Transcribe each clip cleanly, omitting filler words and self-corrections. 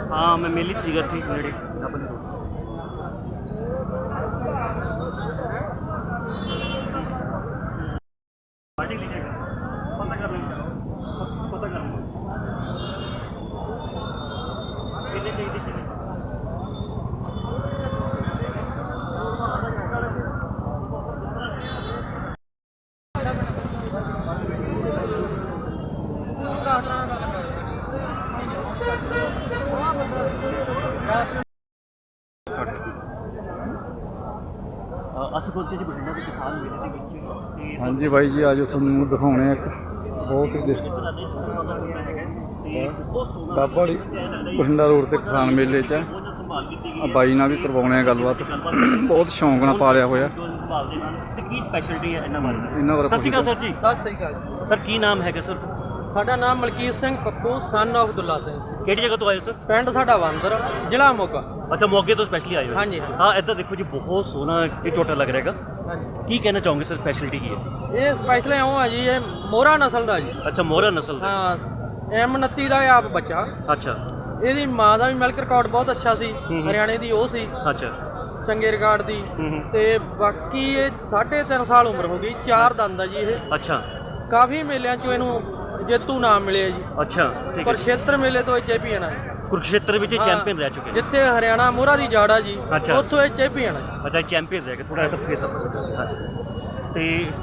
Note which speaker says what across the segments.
Speaker 1: हाँ मैं मेले 'ਚ ਸੀਗਾ ਇੱਥੇ ਨੇੜੇ ਡਬਲ ਰੋਡ। ਪਾਰਟੀ ਲਿਖੇਗਾ ਪਤਾ ਕਰ ਲੈਂਗੇ ਕਿੰਨੇ ਚਾਹੀਦੇ ਕਿੰਨੇ ਅਸੀਂ ਪਹੁੰਚੇ ਜੀ ਬਠਿੰਡਾ ਦੇ ਕਿਸਾਨ ਮੇਲੇ ਦੇ ਵਿੱਚ ਤੇ
Speaker 2: ਹਾਂਜੀ ਬਾਈ ਜੀ ਅੱਜ ਤੁਹਾਨੂੰ ਦਿਖਾਉਣੇ ਇੱਕ ਬਹੁਤ ਹੀ ਬਾਬਾੜੀ ਬਠਿੰਡਾ ਰੋਡ ਤੇ ਕਿਸਾਨ ਮੇਲੇ 'ਚ ਬਾਈ ਨਾਲ ਵੀ ਕਰਵਾਉਣੇ ਆ ਗੱਲਬਾਤ। ਬਹੁਤ ਸ਼ੌਂਕ ਨਾਲ ਪਾਲਿਆ ਹੋਇਆ।
Speaker 1: ਤੇ ਕੀ ਸਪੈਸ਼ਲਟੀ ਹੈ ਇਹਨਾਂ ਬਾਰੇ?
Speaker 2: ਇਹਨਾਂ ਬਾਰੇ
Speaker 1: ਸਤਿ ਸ਼੍ਰੀ ਅਕਾਲ ਸਰ ਜੀ।
Speaker 3: ਸਤਿ ਸ੍ਰੀ ਅਕਾਲ।
Speaker 1: ਸਰ ਕੀ ਨਾਮ ਹੈਗਾ ਸਰ?
Speaker 3: ਸਾਡਾ ਨਾਮ ਮਲਕੀਤ ਸਿੰਘ ਪੱਪੂ ਸਨ ਆਫ ਦੁੱਲਾ ਸਿੰਘ।
Speaker 1: ਕਿਹੜੀ ਜਗ੍ਹਾ ਤੋਂ ਆਏ ਹੋ ਸਰ?
Speaker 3: ਪਿੰਡ ਸਾਡਾ ਵਾਂਦਰ, ਜ਼ਿਲ੍ਹਾ ਮੋਗਾ।
Speaker 1: ਅੱਛਾ ਮੋਗੇ ਤੋਂ ਸਪੈਸ਼ਲੀ ਆਏ ਹੋ?
Speaker 3: ਹਾਂਜੀ।
Speaker 1: ਹਾਂ ਇੱਧਰ ਦੇਖੋ ਜੀ ਬਹੁਤ ਸੋਹਣਾ ਇਹ ਝੋਟਾ ਲੱਗ ਰਿਹਾ ਹੈਗਾ।
Speaker 3: ਹਾਂਜੀ।
Speaker 1: ਕੀ ਕਹਿਣਾ ਚਾਹੋਗੇ ਸਰ ਸਪੈਸ਼ਲਿਟੀ ਕੀ ਹੈ?
Speaker 3: ਇਹ ਸਪੈਸ਼ਲ ਇਉਂ ਆ ਜੀ, ਇਹ ਮੋਹਰਾ ਨਸਲ ਦਾ ਜੀ।
Speaker 1: ਅੱਛਾ ਮੋਹਰਾ ਨਸਲ ਦਾ।
Speaker 3: ਹਾਂ M29 ਦਾ ਇਹ ਆਪ ਬੱਚਾ।
Speaker 1: ਅੱਛਾ
Speaker 3: ਇਹਦੀ ਮਾਂ ਦਾ ਵੀ ਮਿਲਕ ਰਿਕਾਰਡ ਬਹੁਤ ਅੱਛਾ ਸੀ, ਹਰਿਆਣੇ ਦੀ ਉਹ ਸੀ
Speaker 1: ਅੱਛਾ
Speaker 3: ਚੰਗੇ ਰਿਕਾਰਡ ਦੀ। ਤੇ ਬਾਕੀ ਇਹ 3.5 ਸਾਲ ਉਮਰ ਹੋ ਗਈ, 4 ਦੰਦ ਆ ਜੀ ਇਹ।
Speaker 1: ਅੱਛਾ
Speaker 3: ਕਾਫੀ ਮੇਲਿਆਂ 'ਚੋਂ ਇਹਨੂੰ ਜੇਤੂ ਨਾਮ ਮਿਲਿਆ ਜੀ।
Speaker 1: ਅੱਛਾ ਠੀਕ ਹੈ।
Speaker 3: ਕੁਰਸ਼ੇਤਰ ਮੇਲੇ ਤੋਂ ਇਹ ਚੈਂਪੀਅਨ ਹੈ।
Speaker 1: ਕੁਰਕਸ਼ੇਤਰ ਵਿੱਚ ਚੈਂਪੀਅਨ ਰਹਿ ਚੁੱਕੇ ਨੇ।
Speaker 3: ਜਿੱਥੇ ਹਰਿਆਣਾ ਮੋਹਰਾ ਦੀ ਜਾੜਾ ਜੀ,
Speaker 1: ਅੱਛਾ।
Speaker 3: ਉੱਥੋਂ ਇਹ ਚੈਂਪੀਅਨ ਹੈ।
Speaker 1: ਅੱਛਾ ਚੈਂਪੀਅਨ ਰਹਿ ਗਏ ਥੋੜਾ ਜਿਹਾ ਫੇਸ ਅਪ। ਤੇ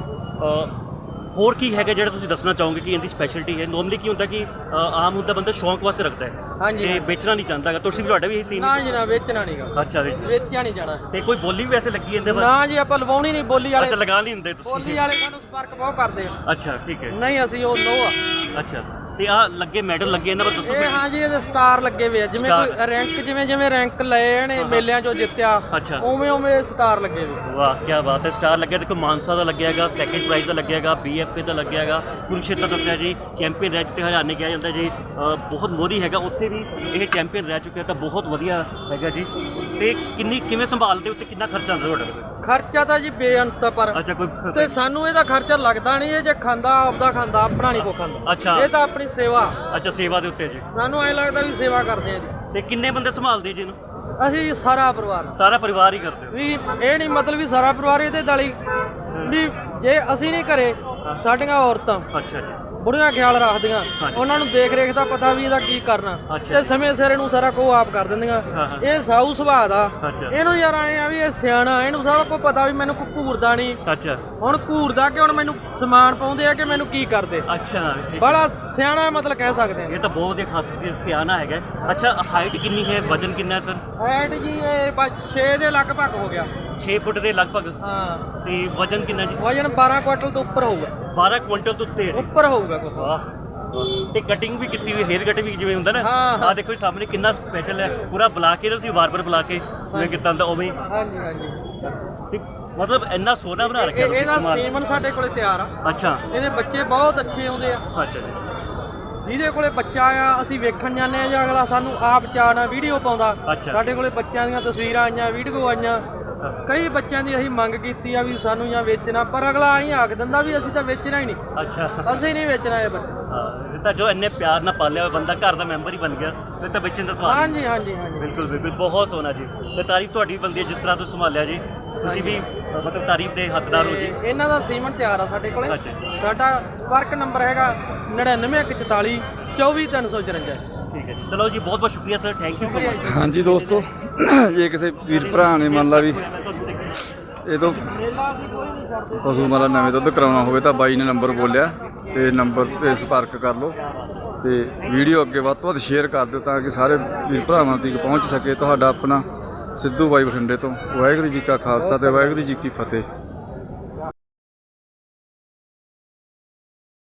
Speaker 1: ਹੋਰ ਕੀ ਹੈਗਾ ਜਿਹੜਾ ਤੁਸੀਂ ਦੱਸਣਾ ਚਾਹੋਗੇ ਕਿ ਇਹਦੀ ਸਪੈਸ਼ਲਿਟੀ ਹੈ? ਨੋਰਮਲੀ ਕੀ ਹੁੰਦਾ ਕਿ ਆਮ ਹੁੰਦਾ ਬੰਦਾ ਸ਼ੌਂਕ ਵਾਸਤੇ ਰੱਖਦਾ ਹੈ
Speaker 3: ਹਾਂਜੀ।
Speaker 1: ਤੇ ਵੇਚਣਾ ਨਹੀਂ ਚਾਹੁੰਦਾ ਹੈਗਾ। ਤੁਸੀਂ ਵੀ ਤੁਹਾਡਾ ਵੀ ਇਹੀ ਸੀਨ?
Speaker 3: ਨਾ ਜੀ ਨਾ, ਵੇਚਣਾ ਨਹੀਂਗਾ।
Speaker 1: ਅੱਛਾ
Speaker 3: ਵੇਚਿਆ ਨਹੀਂ ਜਾਣਾ।
Speaker 1: ਤੇ ਕੋਈ ਬੋਲੀ ਵੀ ਵੈਸੇ ਲੱਗੀ ਇਹਦੇ ਬਾਰੇ?
Speaker 3: ਨਾ ਜੀ, ਆਪਾਂ ਲਵਾਉਣੀ ਨਹੀਂ ਬੋਲੀ ਵਾਲੇ।
Speaker 1: ਅੱਛਾ ਲਗਾ ਨਹੀਂ ਹੁੰਦੇ ਤੁਸੀਂ?
Speaker 3: ਬੋਲੀ ਵਾਲੇ ਸਾਨੂੰ ਸੰਪਰਕ ਬਹੁਤ ਕਰਦੇ ਆ।
Speaker 1: ਅੱਛਾ ਠੀਕ ਹੈ।
Speaker 3: ਨਹੀਂ ਅਸੀਂ ਉਹ ਨੋ ਆ।
Speaker 1: ਅੱਛਾ ਤੇ ਆ ਲੱਗੇ ਮੈਡਲ ਲੱਗੇ ਇਹਨਾਂ ਬਾਰੇ ਦੱਸੋ।
Speaker 3: ਇਹ ਹਾਂ ਜੀ, ਇਹਦੇ ਸਟਾਰ ਲੱਗੇ ਹੋਏ ਆ। ਜਿਵੇਂ ਕੋਈ ਰੈਂਕ, ਜਿਵੇਂ ਰੈਂਕ ਲਏ ਨੇ ਮੇਲਿਆਂ 'ਚੋਂ ਜਿੱਤਿਆ,
Speaker 1: ਅੱਛਾ
Speaker 3: ਉਵੇਂ ਸਟਾਰ ਲੱਗੇ ਹੋਏ।
Speaker 1: ਵਾਹ ਕੀ ਬਾਤ ਹੈ। ਸਟਾਰ ਲੱਗਿਆ ਦੇਖੋ, ਮਾਨਸਾ ਦਾ ਲੱਗਿਆ ਹੈਗਾ, ਸੈਕਿੰਡ ਪ੍ਰਾਈਜ਼ ਦਾ ਲੱਗਿਆ ਹੈਗਾ, BFA ਦਾ ਲੱਗਿਆ ਹੈਗਾ, ਕੁਰੂਕਸ਼ੇਤਰ ਦੱਸਿਆ ਜੀ ਚੈਂਪੀਅਨ ਰਹਿ ਚੁੱਕੇ, ਹਰਿਆਣੇ ਕਿਹਾ ਜਾਂਦਾ ਜੀ ਬਹੁਤ ਮੋਹਰੀ ਹੈਗਾ, ਉੱਥੇ ਵੀ ਇਹ ਚੈਂਪੀਅਨ ਰਹਿ ਚੁੱਕਿਆ ਤਾਂ ਬਹੁਤ ਵਧੀਆ ਹੈਗਾ ਜੀ। ਤੇ ਕਿਵੇਂ ਸੰਭਾਲਦੇ ਉੱਤੇ ਕਿੰਨਾ ਖਰਚਾ ਆਉਂਦਾ ਤੁਹਾਡਾ?
Speaker 3: ਖਰਚਾ ਤਾਂ ਜੀ ਬੇਅੰਤ ਪਰ।
Speaker 1: ਅੱਛਾ ਕੋਈ
Speaker 3: ਤੇ ਸਾਨੂੰ ਇਹਦਾ ਖਰਚਾ ਲੱਗਦਾ ਨਹੀਂ। ਇਹ ਜੇ ਖਾਂਦਾ ਆਪਦਾ ਖਾਂਦਾ, ਆਪਣਾ ਨਹੀਂ ਕੋ ਖਾਂਦਾ।
Speaker 1: ਅੱਛਾ
Speaker 3: ਇਹ ਤਾਂ ਆਪਣੀ ਸੇਵਾ।
Speaker 1: ਅੱਛਾ ਸੇਵਾ ਦੇ ਉੱਤੇ ਜੀ।
Speaker 3: ਸਾਨੂੰ ਐਂ ਲੱਗਦਾ ਵੀ ਸੇਵਾ ਕਰਦੇ ਆ ਜੀ।
Speaker 1: ਤੇ ਕਿੰਨੇ ਬੰਦੇ ਸੰਭਾਲਦੇ ਜੀ ਇਹਨੂੰ?
Speaker 3: ਅਸੀਂ ਸਾਰਾ ਪਰਿਵਾਰ।
Speaker 1: ਸਾਰਾ ਪਰਿਵਾਰ ਹੀ ਕਰਦੇ ਹੋ?
Speaker 3: ਵੀ ਇਹ ਨਹੀਂ ਮਤਲਬ ਵੀ ਸਾਰਾ ਪਰਿਵਾਰ ਇਹਦੇ ਨਾਲ ਹੀ, ਵੀ ਜੇ ਅਸੀਂ ਨਹੀਂ ਘਰੇ, ਸਾਡੀਆਂ ਔਰਤਾਂ
Speaker 1: ਅੱਛਾ ਜੀ
Speaker 3: ਬੁੜੀਆਂ ਖਿਆਲ ਰੱਖਦੀਆਂ, ਉਹਨਾਂ ਨੂੰ ਦੇਖ ਰੇਖ ਦਾ ਪਤਾ ਵੀ ਇਹਦਾ ਕੀ ਕਰਨਾ, ਤੇ ਸਮੇਂ ਸਿਰ ਇਹਨੂੰ ਸਾਰਾ ਕੁਝ ਆਪ ਕਰ ਦਿੰਦੀਆਂ। ਇਹ ਸਾਊ ਸੁਭਾਅ ਦਾ। ਇਹਨੂੰ ਯਾਰ ਆਏ ਆ ਵੀ ਇਹ ਸਿਆਣਾ, ਇਹਨੂੰ ਸਭ ਕੁਝ ਪਤਾ ਵੀ ਮੈਨੂੰ ਘੂਰਦਾ ਨਹੀਂ।
Speaker 1: ਅੱਛਾ
Speaker 3: ਹੁਣ ਘੂਰਦਾ ਕਿ ਹੁਣ ਮੈਨੂੰ ਸਮਾਨ ਪਾਉਂਦੇ ਆ ਕਿ ਮੈਨੂੰ ਕੀ ਕਰਦੇ।
Speaker 1: ਅੱਛਾ
Speaker 3: ਬੜਾ ਸਿਆਣਾ ਮਤਲਬ ਕਹਿ ਸਕਦੇ ਆ।
Speaker 1: ਇਹ ਤਾਂ ਬਹੁਤ ਹੀ ਖਾਸੀਅਤ ਸਿਆਣਾ ਹੈਗਾ। ਅੱਛਾ ਹਾਈਟ ਕਿੰਨੀ ਹੈ, ਵਜਨ ਕਿੰਨਾ ਹੈ ਸਰ?
Speaker 3: ਹਾਈਟ ਜੀ ਇਹ 6 ਦੇ ਲਗਭਗ ਹੋ ਗਿਆ।
Speaker 1: 6 ਫੁੱਟ ਦੇ ਲਗਭਗ।
Speaker 3: ਹਾਂ।
Speaker 1: ਤੇ ਵਜਨ ਕਿੰਨਾ ਜੀ?
Speaker 3: ਵਜਨ 12 ਕੁਇੰਟਲ ਤੋਂ ਉੱਪਰ ਹੋਊਗਾ।
Speaker 1: 12 ਕੁਇੰਟਲ ਤੋਂ
Speaker 3: ਉੱਪਰ ਹੋਊਗਾ ਕੁਝ।
Speaker 1: ਵਾਹ। ਤੇ ਕਟਿੰਗ ਵੀ ਕੀਤੀ ਹੋਈ, ਹੇਅਰ ਕਟ ਵੀ ਜਿਵੇਂ ਹੁੰਦਾ ਨਾ।
Speaker 3: ਹਾਂ।
Speaker 1: ਆ ਦੇਖੋ ਸਾਹਮਣੇ ਕਿੰਨਾ ਸਪੈਸ਼ਲ ਹੈ, ਪੂਰਾ ਬੁਲਾ ਕੇ ਤੁਸੀਂ ਵਾਰ-ਵਾਰ ਬੁਲਾ ਕੇ ਜਿਵੇਂ ਕੀਤਾ ਹੁੰਦਾ ਉਵੇਂ।
Speaker 3: ਹਾਂਜੀ ਹਾਂਜੀ।
Speaker 1: ਤੇ ਮਤਲਬ ਇੰਨਾ ਸੋਹਣਾ ਬਣਾ ਰੱਖਿਆ ਤੁਸੀਂ।
Speaker 3: ਇਹਦਾ ਸੀਮਨ ਸਾਡੇ ਕੋਲੇ ਤਿਆਰ ਆ।
Speaker 1: ਅੱਛਾ
Speaker 3: ਇਹਦੇ ਬੱਚੇ ਬਹੁਤ ਅੱਛੇ ਆਉਂਦੇ ਆ।
Speaker 1: ਅੱਛਾ ਜੀ।
Speaker 3: ਜਿਹਦੇ ਕੋਲੇ ਬੱਚਾ ਆ ਅਸੀਂ ਵੇਖਣ ਜਾਂਦੇ ਆ ਜਾਂ ਅਗਲਾ ਸਾਨੂੰ ਆਪ ਚਾਹਣਾ ਵੀਡੀਓ ਪਾਉਂਦਾ। ਸਾਡੇ ਕੋਲੇ ਬੱਚਿਆਂ ਦੀਆਂ ਤਸਵੀਰਾਂ ਆਈਆਂ, ਵੀਡੀਓ ਆਈਆਂ। ਕਈ ਬੱਚਿਆਂ ਦੀ ਅਸੀਂ ਮੰਗ ਕੀਤੀ ਆ ਵੀ ਸਾਨੂੰ ਜਾਂ ਵੇਚਣਾ, ਪਰ ਅਗਲਾ ਆਈ ਆਖ ਦਿੰਦਾ ਵੀ ਅਸੀਂ ਤਾਂ ਵੇਚਣਾ ਹੀ ਨਹੀਂ।
Speaker 1: ਅੱਛਾ
Speaker 3: ਅਸੀਂ ਨਹੀਂ ਵੇਚਣਾ ਇਹ ਬੱਚਾ।
Speaker 1: ਇਹ ਤਾਂ ਜੋ ਇੰਨੇ ਪਿਆਰ ਨਾਲ ਪਾਲਿਆ ਹੋਇਆ ਬੰਦਾ, ਘਰ ਦਾ ਮੈਂਬਰ ਹੀ ਬਣ ਗਿਆ, ਫਿਰ ਤਾਂ ਵੇਚਣ ਦਾ ਸਵਾਲ।
Speaker 3: ਹਾਂਜੀ ਹਾਂਜੀ ਹਾਂਜੀ
Speaker 1: ਬਿਲਕੁਲ ਬਿਲਕੁਲ ਬਹੁਤ ਸੋਹਣਾ ਜੀ। ਤੇ ਤਾਰੀਫ ਤੁਹਾਡੀ ਬਣਦੀ ਹੈ ਜਿਸ ਤਰ੍ਹਾਂ ਤੁਸੀਂ ਸੰਭਾਲਿਆ ਜੀ। ਤੁਸੀਂ ਵੀ ਮਤਲਬ ਤਾਰੀਫ ਦੇ ਹੱਕਦਾਰ ਹੋ ਜੀ।
Speaker 3: ਇਹਨਾਂ ਦਾ ਸੀਮਨ ਤਿਆਰ ਆ ਸਾਡੇ ਕੋਲੇ।
Speaker 1: ਅੱਛਾ।
Speaker 3: ਸਾਡਾ ਸੰਪਰਕ ਨੰਬਰ ਹੈਗਾ 9914 24354।
Speaker 1: ਠੀਕ ਹੈ ਜੀ, ਚਲੋ ਜੀ ਬਹੁਤ ਬਹੁਤ ਸ਼ੁਕਰੀਆ sir, thank you so much.
Speaker 2: ਹਾਂਜੀ ਦੋਸਤੋ, ਜੇ ਕਿਸੇ ਵੀਰ ਭਰਾ ਨੇ ਮੰਨ ਲਾ ਵੀ ਇਹ ਤੋਂ ਪਸ਼ੂ ਮਾਲਾ ਨਵੇਂ ਦੁੱਧ ਕਰਾਉਣਾ ਹੋਵੇ ਤਾਂ ਬਾਈ ਨੇ ਨੰਬਰ ਬੋਲਿਆ ਤੇ ਨੰਬਰ 'ਤੇ ਸੰਪਰਕ ਕਰ ਲਓ ਤੇ ਵੀਡੀਓ ਅੱਗੇ ਵੱਧ ਤੋਂ ਵੱਧ ਸ਼ੇਅਰ ਕਰ ਦਿਓ ਤਾਂ ਕਿ ਸਾਰੇ ਵੀਰ ਭਰਾਵਾਂ ਤੱਕ ਪਹੁੰਚ ਸਕੇ। ਤੁਹਾਡਾ ਆਪਣਾ ਸਿੱਧੂ ਬਾਈ ਬਠਿੰਡੇ ਤੋਂ। ਵਾਹਿਗੁਰੂ ਜੀ ਕਾ ਖਾਲਸਾ ਤੇ ਵਾਹਿਗੁਰੂ ਜੀ ਕੀ ਫਤਿਹ।